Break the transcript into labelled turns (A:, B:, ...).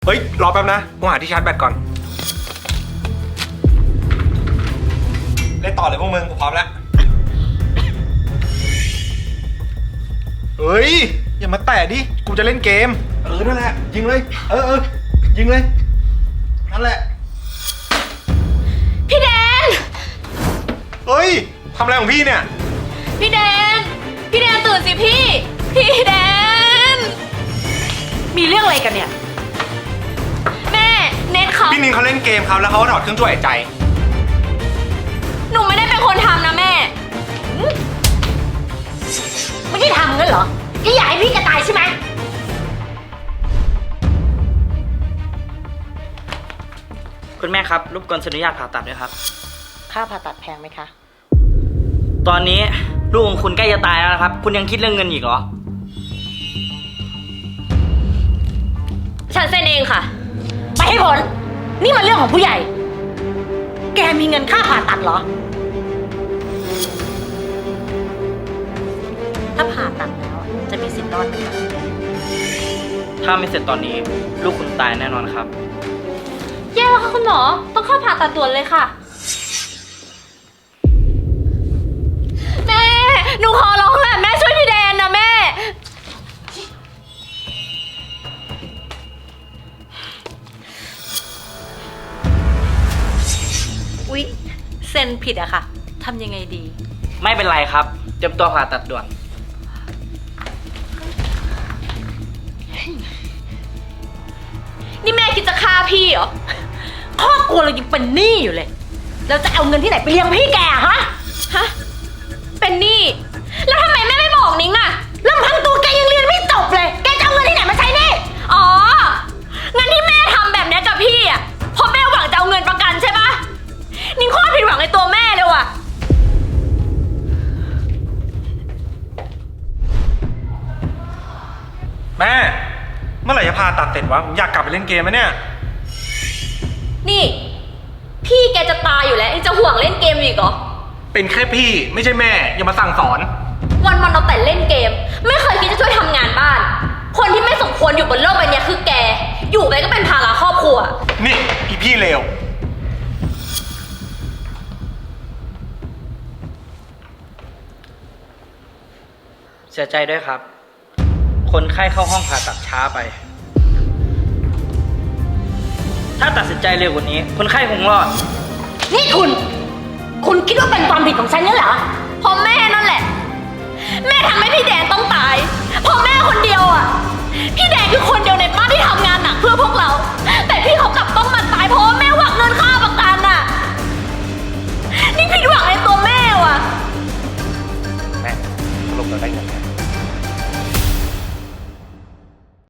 A: เฮ้ยรอแป๊บนะกูหาที่ชาร์จแบตก่อนเล่นต่อเลยพวกมึงกูพร้อมแล้วเฮ้ยอย่ามาแตะดิกูจะเล่นเกมนั่นแหละยิงเลยยิงเลยนั่นแหละ
B: พี่แดน
A: เฮ้ยทำอะไรของพี่เนี่ย
B: พี่แดนตื่นสิพี่แดนมีเรื่องอะไรกันเนี่ยแม่เน็ตเขา
A: พี่นินเขาเล่นเกมครับแล้วเขาก็ถอดเครื่องช่วยหายใจ
B: หนูไม่ได้เป็นคนทำนะแม่
C: ไม่ได้ทำงั้นเหรอที่อยากให้พี่จะตายใช่ไหม
D: คุณแม่ครับรบกวนอนุญาตผ่าตัดด้วยครับ
C: ค่าผ่าตัดแพงไหมคะ
D: ตอนนี้ลูกของคุณใกล้จะตายแล้วนะครับคุณยังคิดเรื่องเงินอีกเหรอ
B: ฉันเซ็นเองค่ะ
C: ไปให้พ้นนี่มันเรื่องของผู้ใหญ่แกมีเงินค่าผ่าตัดเหรอถ้าผ่าตัดแล้วจะมีสิทธิ์รอดไหมคะ
D: ถ้าไม่เสร็จตอนนี้ลูกคุณตายแน่นอนครับ
B: แย่แล้วค่ะคุณหมอต้องเข้าผ่าตัดด่วนเลยค่ะแม่หนูขอร้องแหละแม่ช่วยพี่แดนนะแม่อุ๊ยเซ็นผิดอะค่ะทำยังไงดี
D: ไม่เป็นไรครับเตรียมตัวผ่าตัดด่วน
B: นี่แม่คิดจะฆ่าพี่เหรอ
C: ครอบครัวเรายังเป็นหนี้อยู่เลยเราจะเอาเงินที่ไหนไปเลี้ยงพี่แกฮะ
B: เป็นหนี้แล้วทำไมแม่ไม่บอกนิ้งอะ
C: ลำพังตัวแกยังเรียนไม่จบเลยแกจะเอาเงินที่ไหนมาใช้หนี้
B: อ๋องั้นที่แม่ทำแบบนี้กับพี่อะเพราะแม่หวังจะเอาเงินประกันใช่ปะนิ้งโคตรผิดหวังในตัวแม่เลยว่ะ
A: แม่เมื่อไหร่จะผ่าตัดเสร็จวะผมอยากกลับไปเล่นเกมไหมเนี่ย
B: นี่พี่แกจะตายอยู่แล้วยังจะห่วงเล่นเกมอีกเหรอ
A: เป็นแค่พี่ไม่ใช่แม่อย่ามาสั่งสอน
B: วันเราแต่เล่นเกมไม่เคยคิดจะช่วยทำงานบ้านคนที่ไม่สมควรอยู่บนโลกใบนี้คือแกอยู่ไปก็เป็นภาระครอบครัว
A: นี่พี่เลว
D: เสียใจด้วยครับคนไข้เข้าห้องผ่าตัดช้าไปถ้าตัดสินใจเร็วกว่านี้คนไข้คงรอด
C: นี่คุณคิดว่าเป็นความผิดของฉันงั้นเหรอ
B: เพราะแม่นั่นแหละแม่ทำให้พี่แดนต้องตายเพราะแม่คนเดียวอ่ะพี่แดนคือคนเดียวในบ้านที่ทำงานหนักเพื่อพวกเราแต่พี่เขากลับต้องมาตายเพราะแม่หวังเงินค่าประกันอ่ะนี่ผิดหวังในตัวแม่ว่ะ
A: แม่สรุปเราได้เงินไหม